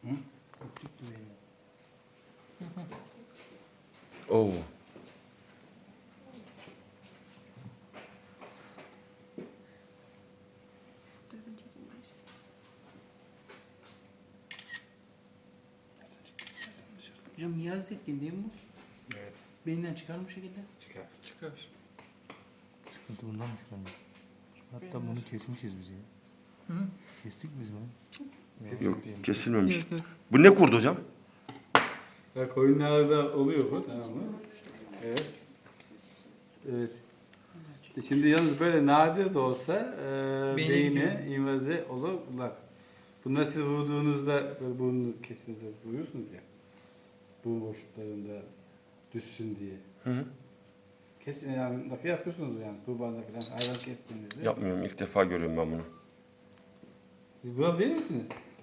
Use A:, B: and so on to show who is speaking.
A: Hı? Öptük düğeyi.
B: Oo.
C: Dur ben çekeyim ben.
A: Hocam Niyazi Zetkin değil mi bu?
D: Evet.
A: Beyinden çıkar mı bu şekilde?
D: Çıkar.
E: Çıkar.
F: Sıkıntı bundan mı çıkarmış? Hatta bunu kesmişiz biz ya.
E: Hı?
F: Kestik biz bunu.
B: Yok kesilmemiş.
E: Yok yok.
B: Bu ne kurdu hocam?
D: Ya koyunlarda oluyor bu, tamam mı? Evet. Evet. Şimdi yalnız böyle nadir de olsa
E: Beyne
D: beyne invaze olurlar. Bunlar siz vurduğunuzda böyle burnunu kesinizde vuruyorsunuz ya. Burun boşluklarında düşsün diye.
B: Hı.
D: Kesin yani lafı yapıyorsunuz yani kurbanda falan hayvan kestiğinizde.
B: Yapmıyorum. İlk defa görüyorum ben bunu.
D: Siz buralı değil misiniz?